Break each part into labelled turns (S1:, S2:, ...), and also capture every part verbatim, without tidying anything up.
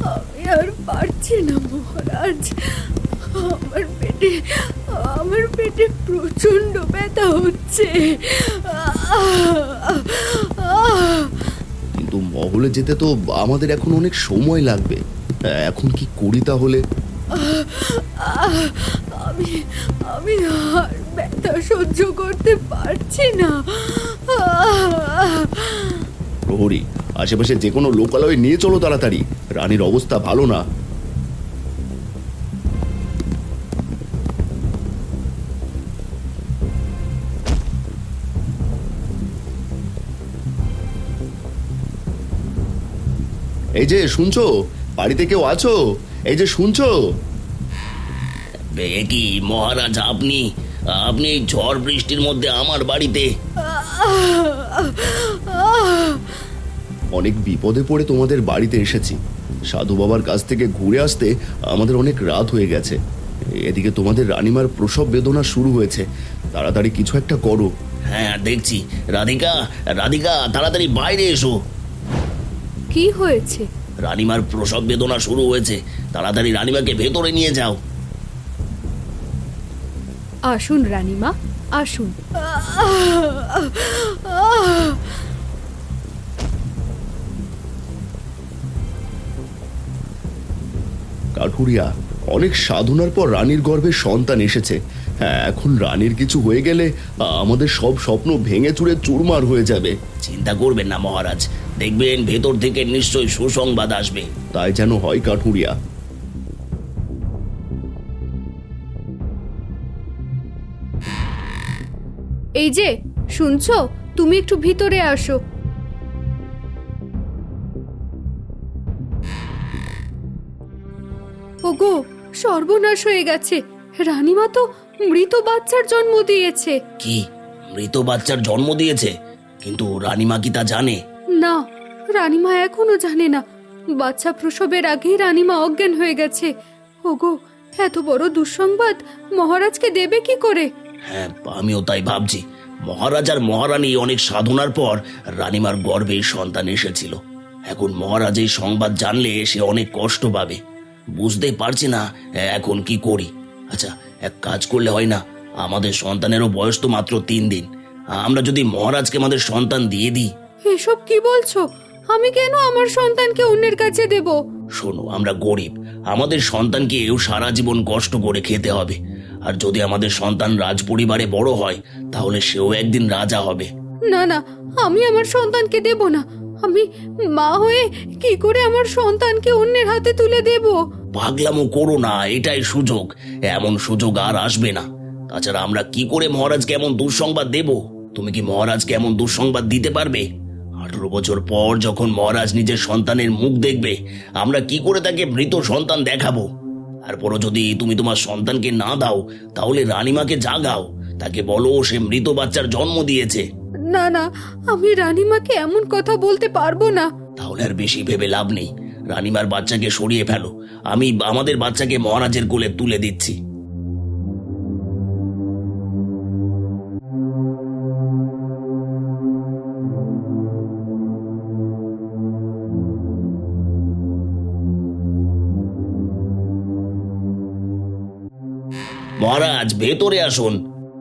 S1: আমি আর পারছি না মহারাজ। আমার পেটে আমার পেটে প্রচন্ড ব্যথা হচ্ছে।
S2: কিন্তু মহলে যেতে তো আমাদের এখন অনেক সময় লাগবে, এখন কি করি তাহলে?
S1: আমি আমি আর ব্যথা সহ্য করতে পারছি না।
S2: প্রহরী, আশেপাশে যে কোনো লোকালয়ে নিয়ে চলো তাড়াতাড়ি, রানীর অবস্থা ভালো না। এই যে শুনছো, বাড়িতে কেউ আছো? এই যে শুনছো?
S3: এ কি মহারাজ, আপনি আপনি এই ঝড় বৃষ্টির মধ্যে আমার বাড়িতে?
S2: অনেক বিপদে পড়ে তোমাদের বাড়িতে এসেছি। সাধু বাবার কাছ থেকে ঘুরে আসতে আমাদের অনেক রাত হয়ে গেছে। এদিকে তোমাদের রানীমার প্রসব বেদনা শুরু হয়েছে, তাড়াতাড়ি কিছু একটা করো।
S3: হ্যাঁ দেখছি। রাধিকা, রাধিকা তাড়াতাড়ি বাইরে এসো।
S1: কি হয়েছে?
S3: রানীমার প্রসব বেদনা শুরু হয়েছে, তাড়াতাড়ি রানীমাকে ভেতরে নিয়ে যাও।
S1: আসুন রানীমা, আসুন।
S2: কাঠুরিয়া, অনেক সাধনার পর রানীর গর্ভে সন্তান এসেছে। হ্যাঁ, এখন রানীর কিছু হয়ে গেলে আমাদের সব স্বপ্ন ভেঙে চুরে চুরমার হয়ে যাবে।
S3: চিন্তা করবেন না মহারাজ, দেখবেন ভেতর থেকে নিশ্চয়ই সুসংবাদ আসবে।
S2: তাই যেন হয় কাঠুরিয়া।
S1: এই যে শুনছো, তুমি একটু ভিতরে আসো। ওগো, সর্বনাশ হয়ে গেছে। রানীমা তো মৃত বাচ্চার জন্ম দিয়েছে।
S3: কি, মৃত বাচ্চার জন্ম দিয়েছে? কিন্তু রানীমা কি তা জানে?
S1: না, রানীমা এখনো জানে না। বাচ্চা প্রসবের আগেই রানীমা অজ্ঞান হয়ে গেছে। ওগো, এত বড় দুঃসংবাদ মহারাজকে দেবে কি করে?
S3: হ্যাঁ, আমিও তাই ভাবছি। মহারাজ আর মহারানী অনেক সাধনার পর রানীমার গর্ভে সন্তান এসেছিল। এখন মহারাজ এই সংবাদ জানলে সে অনেক কষ্ট পাবে। বুঝতে পারছি না এখন কি করি। আচ্ছা, এক কাজ করলে হয় না? আমাদের সন্তানেরও বয়স তো মাত্র তিন দিন। আমরা যদি মহারাজকে আমাদের সন্তান দিয়ে দিই।
S1: এসব কি বলছো? আমি কেন আমার সন্তানকে অন্যের কাছে দেব?
S3: শোনো, আমরা গরিব, আমাদের সন্তানকে এও সারা জীবন কষ্ট করে খেতে হবে। আর যদি আমাদের সন্তান রাজ পরিবারে বড় হয়, তাহলে সেও একদিন রাজা হবে।
S1: না না, আমি আমার সন্তানকে দেব না। আমি মা হয়ে কি করে আমার সন্তানকে অন্যের হাতে তুলে দেব?
S3: পাগলামো করো না, এটাই সুযোগ। এমন সুযোগ আর আসবে না। তাছাড়া আমরা কি করে মহারাজকে এমন দুঃসংবাদ দেব? তুমি কি মহারাজকে এমন দুঃসংবাদ দিতে পারবে? আঠারো বছর পর যখন মহারাজ নিজের সন্তানের মুখ দেখবে, আমরা কি করে তাকে মৃত সন্তান দেখাবো? তারপরও যদি তুমি তোমার সন্তানকে না দাও, তাহলে রানীমাকে জাগাও, তাকে বলো সে মৃত বাচ্চার জন্ম দিয়েছে।
S1: না না, আমি রানীমাকে এমন কথা বলতে পারবো না।
S3: তাহলে আর বেশি ভেবে লাভ নেই। রানীমার বাচ্চাকে সরিয়ে ফেলো, আমি আমাদের বাচ্চাকে মহারাজের কোলে তুলে দিচ্ছি। মহারাজ, ভেতরে আসুন।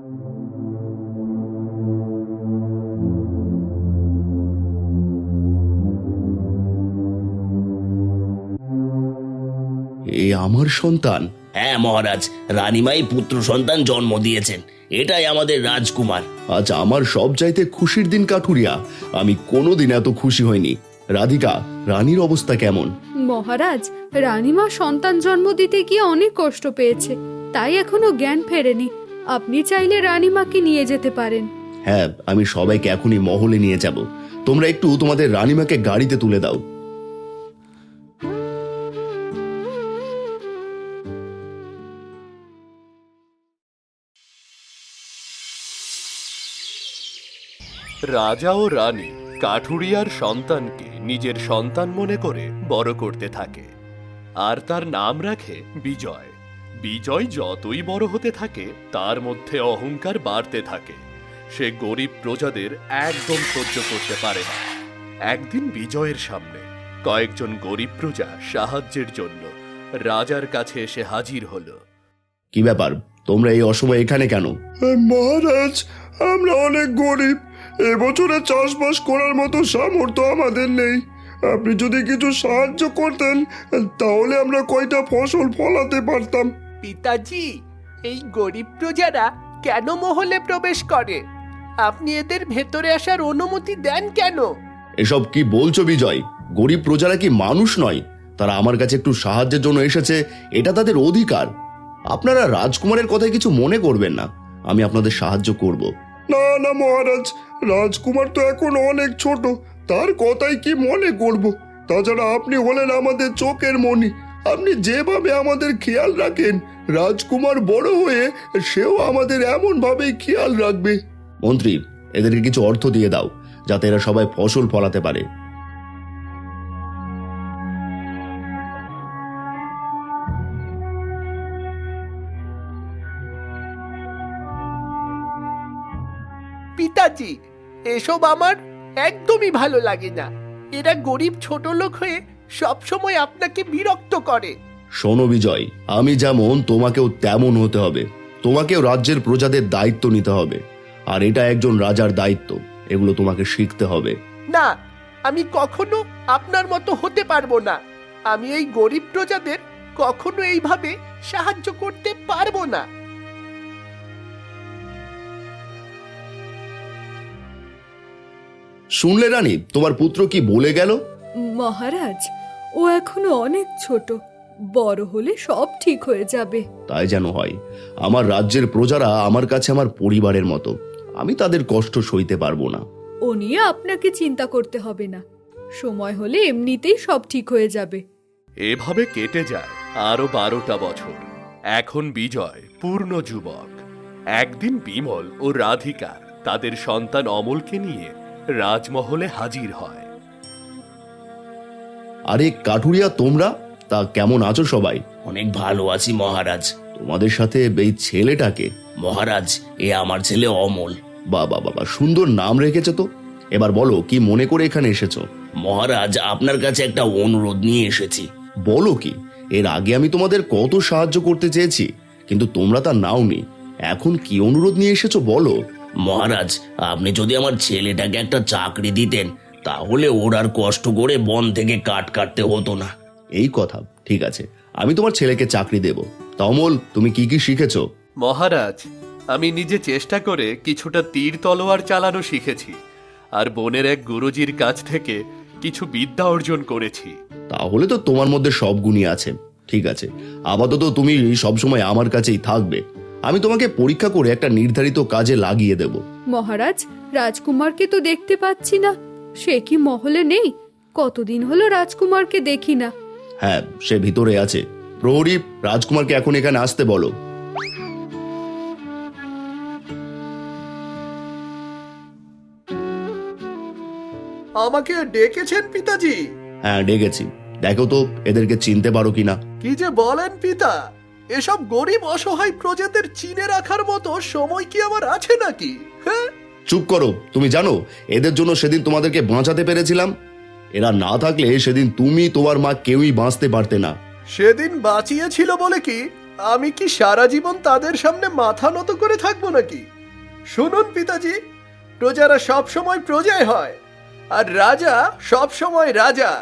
S2: এ আমার সন্তান?
S3: হ্যাঁ মহারাজ, রানীমাই পুত্র সন্তান জন্ম দিয়েছেন। এটাই আমাদের রাজকুমার।
S2: আজ আমার সব চাইতে খুশির দিন কাঠুরিয়া। আমি কোনোদিন এত খুশি হইনি। রাধিকা, রানীর অবস্থা কেমন?
S1: মহারাজ, রানীমা সন্তান জন্ম দিতে গিয়ে অনেক কষ্ট পেয়েছে, তাই এখনো জ্ঞান ফেরেনি। আপনি চাইলে রানীমাকে নিয়ে যেতে পারেন।
S2: হ্যাঁ, আমি সবাইকে এখনই মহলে নিয়ে যাব। তোমরা একটু তোমাদের রানীমাকে গাড়িতে তুলে দাও।
S4: রাজা ও রানী কাঠুরিয়ার সন্তানকে নিজের সন্তান মনে করে বড় করতে থাকে, আর তার নাম রাখে বিজয়। বিজয় যতই বড় হতে থাকে, তার মধ্যে অহংকার বাড়তে থাকে। সে গরিব প্রজাদের একদম সহ্য করতে পারে না। একদিন বিজয়ের সামনে কয়েকজন গরিব প্রজা সাহায্যের জন্য রাজার কাছে এসে হাজির হলো।
S2: কি ব্যাপার, তোমরা এই অসময়ে এখানে কেন?
S5: মহারাজ, আমরা অনেক গরিব, এবছরে চাষবাস করার মতো সামর্থ্য আমাদের নেই। আপনি যদি কিছু সাহায্য করতেন তাহলে আমরা কয়টা ফসল ফলাতে পারতাম।
S6: পিতাজি, এই গরিব প্রজারা কেন মহলে প্রবেশ করে? আপনি এদের ভেতরে আসার অনুমতি দেন কেন?
S2: এসব কি বলছো বিজয়? গরিব প্রজারা কি মানুষ নয়? তারা আমার কাছে একটু সাহায্যের জন্য এসেছে, এটা তাদের অধিকার। আপনারা রাজকুমারের কথায় কিছু মনে করবেন না, আমি আপনাদের সাহায্য করব।
S5: না না মহারাজ, রাজকুমার তো এখন অনেক ছোট, তার কথাই কি মনে করব? তাছাড়া আপনি হলেন আমাদের চোখের মণি, আপনি যেভাবে আমাদের খেয়াল রাখেন, রাজকুমার বড় হয়ে সেও আমাদের এমন ভাবেই খেয়াল রাখবে।
S2: মন্ত্রী, এদেরকে কিছু অর্থ দিয়ে দাও যাতে এরা সবাই ফসল ফলাতে পারে।
S6: পিতাজি, এসব আমার একদমই ভালো লাগে না। এরা গরিব ছোট লোক হয়ে সবসময় আপনাকে বিরক্ত করে।
S2: শোনো বিজয়, আমি যেমন তোমাকেও তেমন হতে হবে। তোমাকেও রাজ্যের প্রজাদের দায়িত্ব নিতে হবে, আর এটা একজন রাজার দায়িত্ব। এগুলো তোমাকে শিখতে হবে।
S6: না, আমি কখনো আপনার মতো হতে পারবো না। আমি এই গরিব প্রজাদের কখনো এইভাবে সাহায্য করতে পারবো না।
S2: শুনলে রানী, তোমার পুত্র কি বলে গেল?
S1: মহারাজ, ও এখনো অনেক ছোট, বড় হলে সব ঠিক হয়ে যাবে।
S2: তাই যেন হয়। আমার রাজ্যের প্রজারা আমার কাছে আমার পরিবারের মতো, আমি তাদের কষ্ট সইতে পারবো না।
S1: ও নিয়ে আপনাকে চিন্তা করতে হবে না, সময় হলে এমনিতেই সব ঠিক হয়ে যাবে।
S4: এভাবে কেটে যায় আরো বারোটা বছর। এখন বিজয় পূর্ণ যুবক। একদিন বিমল ও রাধিকা তাদের সন্তান অমলকে নিয়ে রাজমহলে হাজির হয়।
S2: আরে কাঠুরিয়া, তোমরা তা কেমন আছো সবাই?
S3: অনেক ভালো আছি মহারাজ।
S2: তোমাদের সাথে এই ছেলেটাকে?
S3: মহারাজ, এ আমার ছেলে অমল।
S2: বাবা বাবা, সুন্দর নাম রেখেছে তো। এবার বলো, কি মনে করে এখানে এসেছো?
S3: মহারাজ, আপনার কাছে একটা অনুরোধ নিয়ে এসেছি।
S2: বলো কি? এর আগে আমি তোমাদের কত সাহায্য করতে চেয়েছি, কিন্তু তোমরা তা নাওনি। এখন কি অনুরোধ নিয়ে এসেছো বলো।
S3: মহারাজ, আপনি যদি আমার ছেলেটাকে একটা চাকরি দিতেন, তাহলে ওর আর কষ্ট করে বন থেকে কাঠ কাটতে হতো না।
S2: এই কথা, ঠিক আছে, আমি তোমার ছেলেকে চাকরি দেব। তা অমল, তুমি কি কি শিখেছো?
S4: মহারাজ, আমি নিজে চেষ্টা করে কিছুটা তীর তলোয়ার চালানো শিখেছি, আর বনের এক গুরুজির কাছ থেকে কিছু বিদ্যা অর্জন করেছি।
S2: তাহলে তো তোমার মধ্যে সব গুণই আছে। ঠিক আছে, আপাতত তুমি সবসময় আমার কাছেই থাকবে। আমি তোমাকে পরীক্ষা করে একটা নির্ধারিত কাজে লাগিয়ে দেব।
S1: মহারাজ, রাজকুমারকে তো দেখতে পাচ্ছি না, সে কি মহলে নেই? কতদিন হলো রাজকুমারকে দেখি না।
S2: হ্যাঁ, সে ভিতরে আছে। প্রহরী, রাজকুমারকে এখন এখানে আসতে বলো।
S6: আমাকে ডেকেছেন পিতাজি?
S2: হ্যাঁ, ডেকেছি। দেখো তো এদেরকে চিনতে পারো কিনা।
S6: কি যে বলেন পিতা, এসব গরিব অসহায় প্রজাদের চিনে রাখার মতো সময় কি আমার আছে নাকি? হ্যাঁ,
S2: চুপ করো। তুমি জানো এদের জন্য সেদিন তোমাদেরকে বাঁচাতে পেরেছিলাম। এরা না থাকলে সেদিন তুমি, তোমার মা কেউই বাঁচতে পারতে না।
S6: সেদিন বাঁচিয়েছিল বলে কি আমি কি সারা জীবন তাদের সামনে মাথা নত করে থাকবো নাকি? শুনুন পিতাজি, প্রজারা সব সময় প্রজাই হয়, আর রাজা সব সময় রাজা।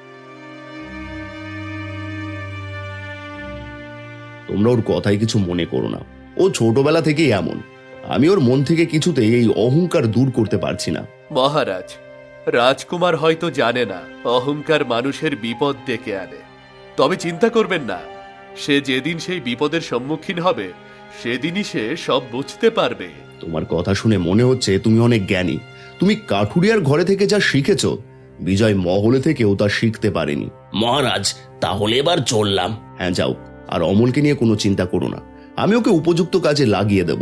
S2: তোমরা ওর কথায় কিছু মনে করো না। ও ছোটবেলা থেকেই এমন। আমি ওর মন থেকে কিছুতেই এই অহংকার দূর করতে পারছি না।
S4: মহারাজ, রাজকুমার হয়তো জানে না অহংকার মানুষের বিপদ ডেকে আনে। তবে চিন্তা করবেন না, সে যেদিন সেই বিপদের সম্মুখীন হবে সেদিনই সে সব বুঝতে পারবে।
S2: তোমার কথা শুনে মনে হচ্ছে তুমি অনেক জ্ঞানী। তুমি কাঠুরিয়ার ঘরে থেকে যা শিখেছো, বিজয় মহলে থেকেও তা শিখতে পারেনি।
S3: মহারাজ, তাহলে এবার চললাম।
S2: হ্যাঁ, যাও। আর অমলকে নিয়ে কোনো চিন্তা করো না, আমি ওকে উপযুক্ত কাজে লাগিয়ে দেব।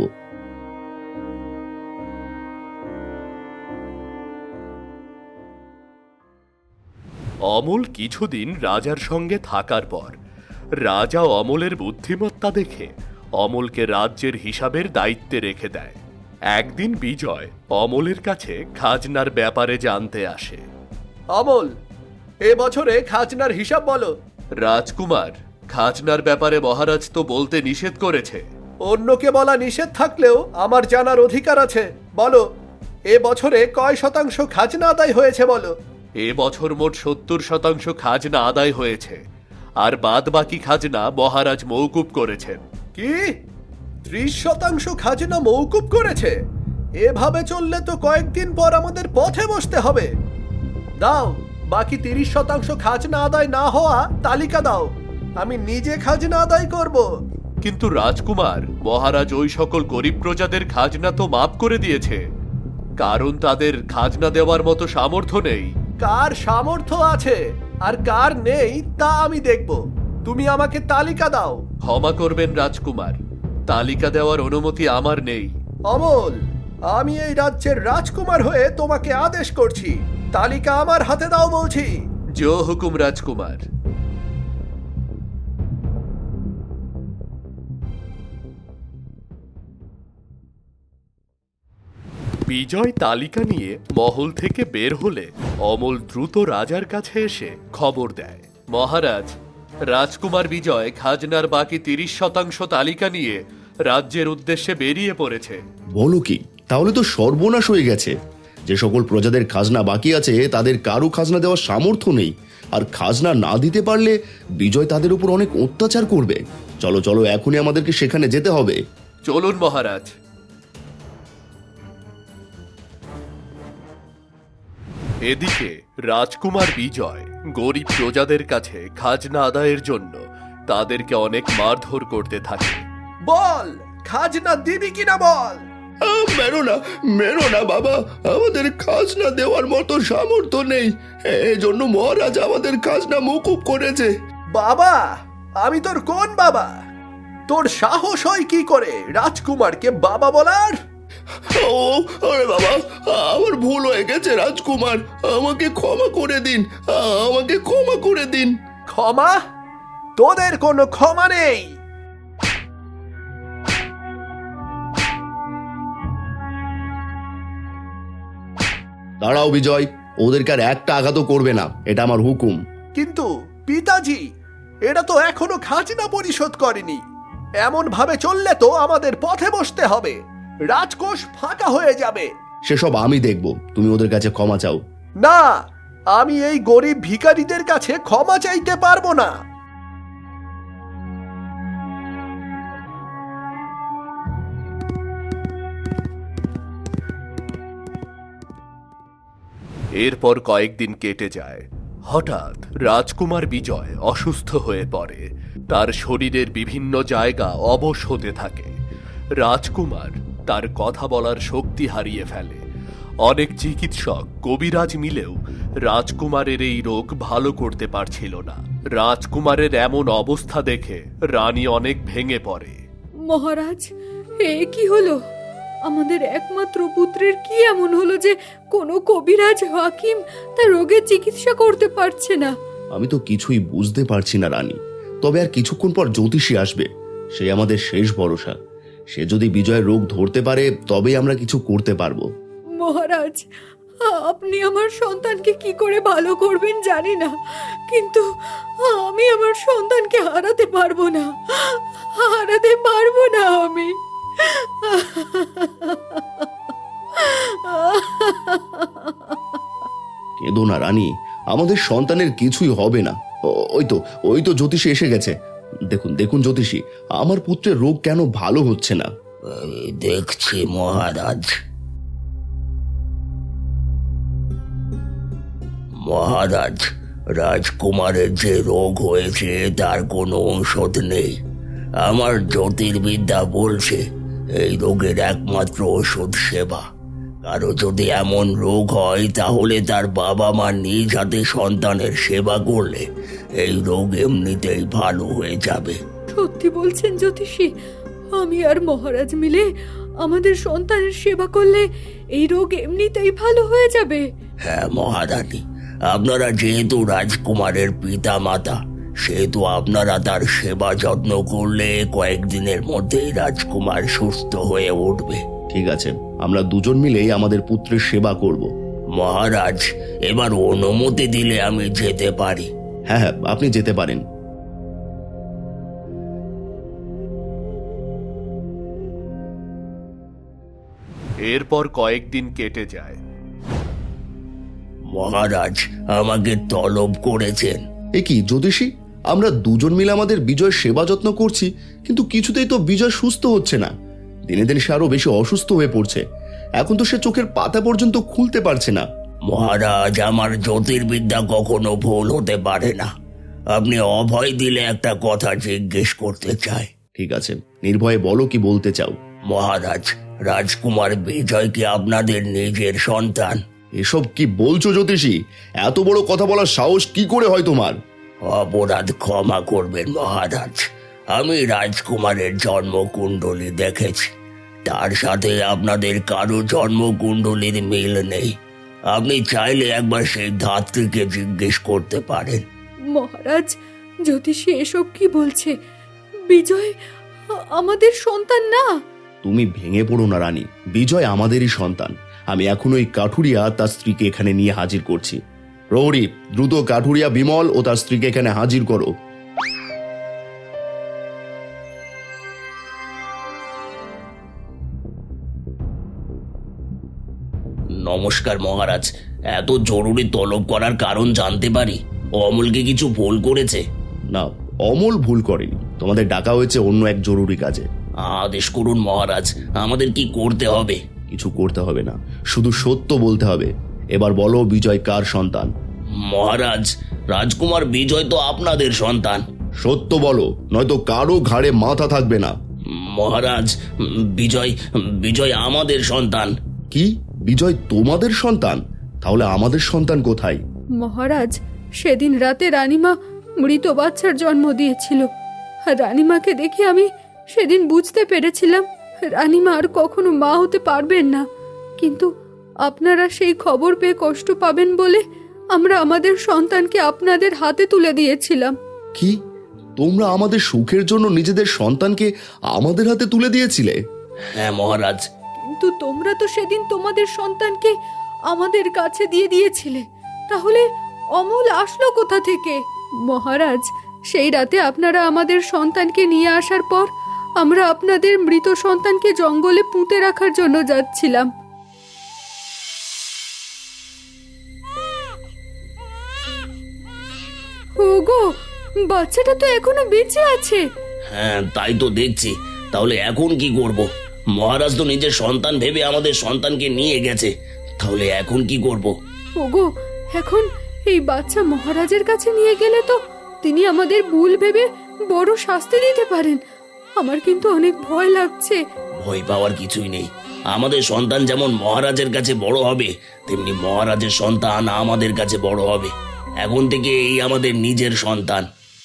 S4: অমল কিছুদিন রাজার সঙ্গে থাকার পর রাজা অমলের বুদ্ধিমত্তা দেখে অমলকে রাজ্যের হিসাবের দায়িত্বে রেখে দেয়। একদিন বিজয় অমলের কাছে খাজনার ব্যাপারে জানতে আসে।
S6: অমল, এ বছরে খাজনার হিসাব বলো।
S4: রাজকুমার, খাজনার ব্যাপারে মহারাজ তো বলতে নিষেধ করেছে।
S6: অন্যকে বলা নিষেধ থাকলেও আমার জানার অধিকার আছে। বলো, এ বছরে কয় শতাংশ খাজনা আদায় হয়েছে বলো।
S4: এ বছর মোট সত্তর শতাংশ খাজনা আদায় হয়েছে, আর বাদ বাকি খাজনা মহারাজ মৌকুব করেছেন।
S6: কি? ত্রিশ শতাংশ খাজনা মৌকুব করেছে? এভাবে চললে তো কয়েকদিন পর আমাদের পথে বসতে হবে। দাও, বাকি তিরিশ শতাংশ খাজনা আদায় না হওয়া তালিকা দাও, আমি নিজে খাজনা আদায় করব।
S4: কিন্তু রাজকুমার, মহারাজ ওই সকল গরিব প্রজাদের খাজনা তো মাফ করে দিয়েছে, কারণ তাদের খাজনা দেওয়ার মতো সামর্থ্য নেই।
S6: কার সামর্থ্য আছে আর কার নেই তা আমি দেখব। তুমি আমাকে তালিকা দাও।
S4: ক্ষমা করবেন রাজকুমার, তালিকা দেওয়ার অনুমতি আমার নেই।
S6: অমল, আমি এই রাজ্যের রাজকুমার হয়ে তোমাকে আদেশ করছি, তালিকা আমার হাতে দাও বলছি।
S4: জো হুকুম রাজকুমার। বিজয় তালিকা নিয়ে মহল থেকে বের হলে অমল দ্রুত রাজার কাছে এসে খবর দেয়, মহারাজ, রাজকুমার বিজয় খাজনার বাকি তিরিশ শতাংশ তালিকা নিয়ে রাজ্যের উদ্দেশ্যে বেরিয়ে পড়েছে।
S2: বলো কি? তাহলে তো সর্বনাশ হয়ে গেছে। যে সকল প্রজাদের খাজনা বাকি আছে তাদের কারো খাজনা দেওয়ার সামর্থ্য নেই, আর খাজনা না দিতে পারলে বিজয় তাদের উপর অনেক অত্যাচার করবে। চলো চলো, এখনই আমাদেরকে সেখানে যেতে হবে।
S4: চলুন মহারাজ। এদিকে রাজকুমার বিজয় গরিব প্রজাদের কাছে খাজনা আদায়ের জন্য তাদেরকে অনেক মারধর করতে থাকে।
S6: বল, খাজনা দিবি কিনা বল।
S5: আহ, মেরো না, মেরো না বাবা, আমাদের খাজনা দেওয়ার মতো সামর্থ্য নেই, এই জন্য মহারাজ আমাদের খাজনা মকুব করেছে।
S6: বাবা, আমি তোর কোন বাবা? তোর সাহস হয় কি করে রাজকুমারকে বাবা বলার?
S5: ও আরে বাবা, আমার ভুল হয়ে গেছে রাজকুমার, আমাকে ক্ষমা করে দিন, আমাকে ক্ষমা করে দিন।
S6: ক্ষমা? তোদের কোনো ক্ষমা নেই।
S2: দাঁড়াও বিজয়, ওদেরকে আর একটা আঘাতও করবে না, এটা আমার হুকুম।
S6: কিন্তু পিতাজি, এটা তো এখনো খাজনা পরিশোধ করেনি। এমন ভাবে চললে তো আমাদের পথে বসতে হবে, রাজকোষ ফাঁকা হয়ে যাবে।
S2: সেসব আমি দেখব, তুমি ওদের কাছে ক্ষমা চাও।
S6: না, আমি এই গরিব ভিখারিদের কাছে ক্ষমা চাইতে পারবো না।
S4: এরপর কয়েকদিন কেটে যায়। হঠাৎ রাজকুমার বিজয় অসুস্থ হয়ে পড়ে, তার শরীরের বিভিন্ন জায়গা অবশ হতে থাকে। রাজকুমার তার কথা বলার শক্তি হারিয়ে ফেলে। অনেক চিকিৎসক, কবিরাজ মিলেও রাজকুমারের এই রোগ ভালো করতে পারছিল না। রাজকুমারের এমন অবস্থা দেখে রানী অনেক ভেঙে পড়ে।
S1: মহারাজ, এ কি হলো? আমাদের একমাত্র পুত্রের কি এমন হলো যে কোনো কবিরাজ হাকিম তার রোগের চিকিৎসা করতে পারছে না?
S2: আমি তো কিছুই বুঝতে পারছি না রানী। তবে আর কিছুক্ষণ পর জ্যোতিষী আসবে, সে আমাদের শেষ ভরসা। সে যদি বিজয়ের রোগ ধরতে পারে তবেই আমরা কিছু করতে পারবো।
S1: মহারাজ, আপনি আমার সন্তানকে কি করে ভালো করবেন জানি না, কিন্তু আমি আমার সন্তানকে হারাতে পারবো না, হারাতে পারবো না আমি।
S2: কেঁদো না রানী, আমাদের সন্তানের কিছুই হবে না। ও- ওই তো ওই তো জ্যোতিষী এসে গেছে। দেখুন দেখুন জ্যোতিষী, আমার পুত্রের রোগ কেন ভালো হচ্ছে না?
S3: দেখছি মহারাজ। মহারাজ, রাজকুমারের যে রোগ হয়েছে তার কোনো ঔষধ নেই। আমার জ্যোতির্বিদ্যা বলছে এই রোগের একমাত্র ওষুধ সেবা। কারো যদি এমন রোগ হয় তাহলে তার বাবা মা নিজ হাতে সন্তানের সেবা করলে এই রোগ এমনিতেই ভালো হয়ে যাবে।
S1: সত্যি বলছেন জ্যোতিষী? আমি আর মহারাজ মিলে আমাদের সন্তানের সেবা করলে এই রোগ এমনিতেই ভালো হয়ে যাবে?
S3: হ্যাঁ মহারানী, আপনারা যেহেতু রাজকুমারের পিতা মাতা, সেহেতু আপনারা তার সেবা যত্ন করলে কয়েকদিনের মধ্যেই রাজকুমার সুস্থ হয়ে উঠবে।
S2: ঠিক আছে, আমরা দুজন মিলেই আমাদের পুত্রের সেবা করব।
S3: মহারাজ, এবার অনুমতি দিলে আমি যেতে পারি।
S2: হ্যাঁ হ্যাঁ, আপনি যেতে পারেন।
S4: এরপর কয়েকদিন কেটে যায়।
S3: মহারাজ আমাকে তলব করেছেন।
S2: এ কি জ্যোতিষী, আমরা দুজন মিলে আমাদের বিজয় সেবা যত্ন করছি, কিন্তু কিছুতেই তো বিজয় সুস্থ হচ্ছে না। দিনে দিনে সে আরো বেশি অসুস্থ হয়ে পড়ছে। এখন তো সে চোখের পাতা পর্যন্ত খুলতে পারছে না।
S3: মহারাজ, আমার জ্যোতির্বিদ্যা কখনো ভুল হতে পারে না। আপনি অভয় দিলে একটা কথা জিজ্ঞেস করতে চাই।
S2: ঠিক আছে, নির্ভয়ে বলো কি বলতে চাও।
S3: মহারাজ, রাজকুমার বিজয় কি আপনাদের নিজের সন্তান?
S2: এসব কি বলছো জ্যোতিষী? এত বড় কথা বলার সাহস কি করে হয় তোমার?
S3: অপরাধ ক্ষমা করবেন মহারাজ। আমি রাজকুমারের জন্মকুণ্ডলী দেখেছি, তার সাথে আপনাদের কারো জন্মকুণ্ডলীর মিল নেই। আপনি চাইলে একবার সেই ধাত্রীকে জিজ্ঞেস করতে পারেন।
S1: মহারাজ, জ্যোতিষী এসব কি বলছে? বিজয় আ- আমাদের সন্তান না।
S2: তুমি ভেঙে পড়ো না রানী, বিজয় আমাদেরই সন্তান। আমি এখন ওই কাঠুরিয়া তার স্ত্রীকে এখানে নিয়ে হাজির করছি। প্রহরী, দ্রুত কাঠুরিয়া বিমল ও তার স্ত্রীকে এখানে হাজির করো।
S3: নমস্কার মহারাজ, এত জরুরি তলব করার কারণ জানতে পারি? অমলকে কিছু ভুল করেছে?
S2: না, অমল ভুল করেনি। তোমাদের ডাকা হয়েছে অন্য এক জরুরি কাজে।
S3: আদেশ করুন মহারাজ, আমাদের কি করতে হবে?
S2: কিছু করতে হবে না, শুধু সত্য বলতে হবে। এবার বলো, বিজয় কার সন্তান?
S3: মহারাজ, রাজকুমার বিজয় তো আপনাদের সন্তান।
S2: সত্য বলো, নয়তো কারো ঘাড়ে মাথা থাকবে না।
S3: মহারাজ, বিজয় বিজয় আমাদের সন্তান।
S2: কি, বিজয় তোমাদের সন্তান? তাহলে আমাদের সন্তান কোথায়?
S1: মহারাজ, সেদিন রাতে রানীমা মৃত বাচ্চার জন্ম দিয়েছিল। আর রানীমাকে দেখে আমি সেদিন বুঝতে পেরেছিলাম রানীমা আর কখনো মা হতে পারবেন না। কিন্তু আপনারা সেই খবর পেয়ে কষ্ট পাবেন বলে আমরা আমাদের সন্তানকে আপনাদের হাতে তুলে দিয়েছিলাম।
S2: কি, তোমরা আমাদের সুখের জন্য নিজেদের সন্তানকে আমাদের হাতে তুলে দিয়েছিলে?
S3: হ্যাঁ মহারাজ।
S1: কিন্তু তোমরা তো সেদিন তোমাদের সন্তানকে আমাদের কাছে দিয়ে দিয়েছিলে, তাহলে অমল আসলো কোথা থেকে? মহারাজ, সেই রাতে আপনারা আমাদের সন্তানকে নিয়ে আসার পর আমরা আপনাদের মৃত সন্তানকে জঙ্গলে পুঁতে রাখার জন্য যাচ্ছিলাম। ওগো, বাচ্চাটা তো এখনো বেঁচে আছে।
S3: হ্যাঁ, তাই তো দেখছি। তাহলে এখন কি করব? মহারাজ তো নিজের সন্তান ভেবে আমাদের সন্তানকে নিয়ে গেছে, তাহলে এখন কি করব?
S1: ওগো, এখন এই বাচ্চা মহারাজের কাছে নিয়ে গেলে তো তিনি আমাদের ভুল ভেবে বড় শাস্তি দিতে পারেন। আমার কিন্তু অনেক ভয় লাগছে।
S3: ভয় পাওয়ার কিছুই নেই। আমাদের সন্তান যেমন মহারাজের কাছে বড় হবে, তেমনি মহারাজের সন্তান আমাদের কাছে বড় হবে। এখন থেকে এই আমাদের নিজের সন্তান।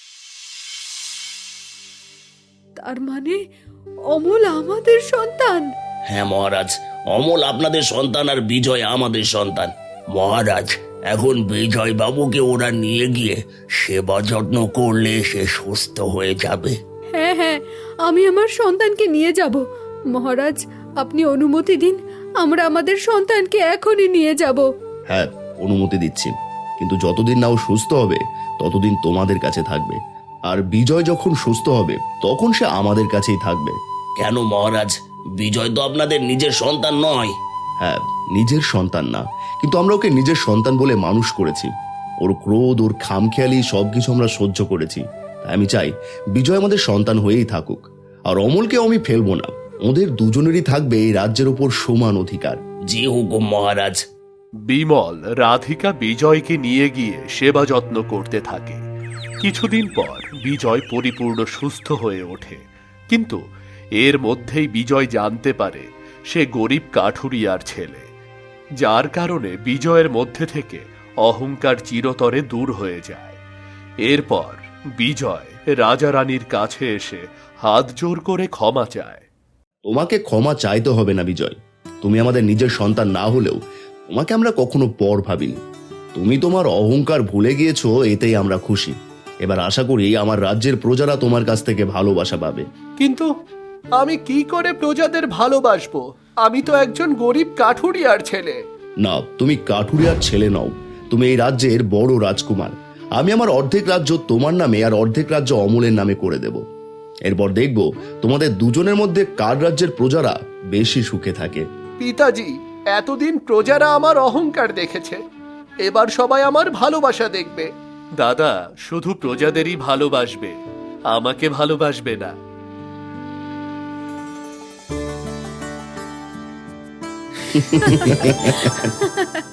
S1: তার মানে অমল আমাদের সন্তান?
S3: হ্যাঁ মহারাজ, অমল আপনাদের সন্তান আর বিজয় আমাদের সন্তান। মহারাজ, এখন বিজয় বাবুকে ওরা নিয়ে গিয়ে সেবা যত্ন করলে সে সুস্থ হয়ে যাবে।
S1: হ্যাঁ হ্যাঁ, আমি আমার সন্তানকে নিয়ে যাব। মহারাজ, আপনি অনুমতি দিন, আমরা আমাদের সন্তানকে এখনই নিয়ে যাব।
S2: হ্যাঁ, অনুমতি দিচ্ছি, কিন্তু যতদিন না ও সুস্থ হবে ততদিন তোমাদের কাছে থাকবে। আর বিজয় যখন সুস্থ হবে তখন সে আমাদের কাছেই থাকবে।
S3: কেন মহারাজ? বিজয় তো আপনাদের নিজের সন্তান নয়।
S2: হ্যাঁ, নিজের সন্তান না, কিন্তু আমরা ওকে নিজের সন্তান বলে মানুষ করেছি। ওর ক্রোধ, ওর খামখেয়ালি সবকিছু আমরা সহ্য করেছি। তাই আমি চাই বিজয় আমাদের সন্তান হয়েই থাকুক। আর অমলকেও আমি ফেলবো না। ওদের দুজনেরই থাকবে এই রাজ্যের ওপর সমান অধিকার।
S3: জি হুকুম মহারাজ।
S4: বিমল রাধিকা বিজয়কে নিয়ে গিয়ে সেবা যত্ন করতে থাকে। কিছুদিন পর বিজয় পরিপূর্ণ সুস্থ হয়ে ওঠে, কিন্তু এর মধ্যেই বিজয় জানতে পারে সে গরিব কাঠুরিয়ার ছেলে, যার কারণে বিজয়ের মধ্যে থেকে অহংকার চিরতরে দূর হয়ে যায়। এরপর বিজয় রাজা রানীর কাছে এসে হাত জোর করে ক্ষমা চায়।
S2: তোমাকে ক্ষমা চাইতে হবে না বিজয়। তুমি আমাদের নিজের সন্তান না হলেও তোমাকে আমরা কখনো পর ভাবিনি। তুমি তোমার অহংকার ভুলে গিয়েছো, এতেই আমরা খুশি। এবার আশা করি আমার রাজ্যের প্রজারা তোমার কাছ থেকে ভালোবাসা পাবে।
S6: কিন্তু আমি কি করে প্রজাদের ভালোবাসবো? আমি তো একজন গরিব কাঠুরিয়ার ছেলে।
S2: না, তুমি কাঠুরিয়ার ছেলে নও, তুমি এই রাজ্যের বড় রাজকুমার। আমি আমার অর্ধেক রাজ্য তোমার নামে আর অর্ধেক রাজ্য অমলের নামে করে দেব। এরপর দেখব তোমাদের দুজনের মধ্যে কার রাজ্যের প্রজারা বেশি সুখে থাকে।
S6: পিতাজি, এতদিন প্রজারা আমার অহংকার দেখেছে, এবার সবাই আমার ভালোবাসা দেখবে।
S4: দাদা শুধু প্রজাদেরই ভালোবাসবে, আমাকে ভালোবাসবে না।